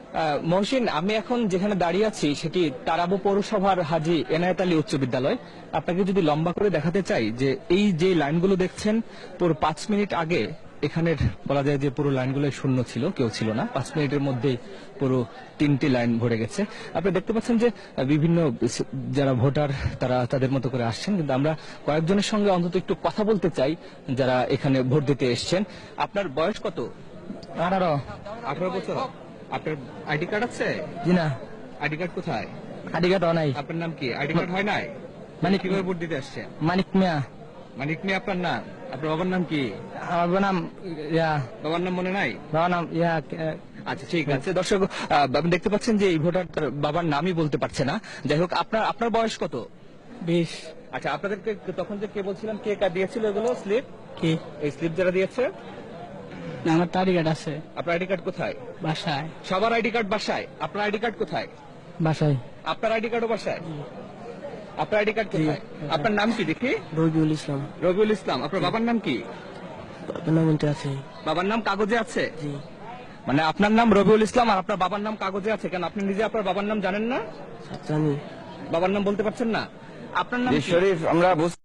মহসিন, আমি এখন যেখানে দাঁড়িয়ে আছি সেটি তারাবো পৌরসভার হাজী এনায়েত আলী উচ্চ বিদ্যালয়। আপনাকে যদি লম্বা করে দেখাতে চাই যে এই যে লাইনগুলো দেখছেন, পুরো 5 মিনিট আগে এখানের বলা যায় যে পুরো লাইনগুলো শূন্য ছিল, কেউ ছিল না। 5 মিনিটের মধ্যেই পুরো 3টি লাইন ভরে গেছে। আপনি দেখতে পাচ্ছেন যে বিভিন্ন যারা ভোটার তারা তাদের মতো করে আসছেন, কিন্তু আমরা কয়েকজনের সঙ্গে অন্তত একটু কথা বলতে চাই যারা এখানে ভোট দিতে এসছেন। আপনার বয়স কত? 18। 18 বছর। আপনার আইডি কার্ড আছে? জি না, আইডি কার্ড কোথায়? আইডি কার্ড নাই। আপনার নাম কি? আইডি কার্ড হয় নাই? মানে কিভাবে ভোট দিতে আসছেন? মানিক মিয়া। মানিক মিয়া আপনার নাম? আপনার বাবার নাম কি? আমার বাবার নাম বাবার নাম মনে নাই? বাবার নাম আচ্ছা, ঠিক আছে। দর্শক, আপনি দেখতে পাচ্ছেন যে এই ভোটার তার বাবার নামই বলতে পারছে না। যাই হোক, আপনার আপনার বয়স কত? 20। আচ্ছা, আপনাদেরকে তখন যে কে বলছিলাম কে দিয়েছিল এগুলো স্লিপ? কি? এই স্লিপ যারা দিয়েছে? না, আমার আইডি কার্ড আছে আপনার আইডি কার্ড কোথায়? বাসায়। সবার আইডি কার্ড বাসায়? আপনার আইডি কার্ড কোথায়? বাসায়। আপনার আইডি কার্ডও বাসায়? আপনার আইডি কার্ড কোথায়? আপনার নাম কি দেখি? রবিউল ইসলাম। রবিউল ইসলাম। আপনার বাবার নাম কি? বাবার নাম আছে। বাবার নাম কাগজে আছে? জি। মানে আপনার নাম রবিউল ইসলাম আর আপনার বাবার নাম কাগজে আছে, কেন আপনি নিজে আপনার বাবার নাম জানেন না? জানি। বাবার নাম বলতে পারছেন না? আপনার নাম কি? শরীফ, আমরা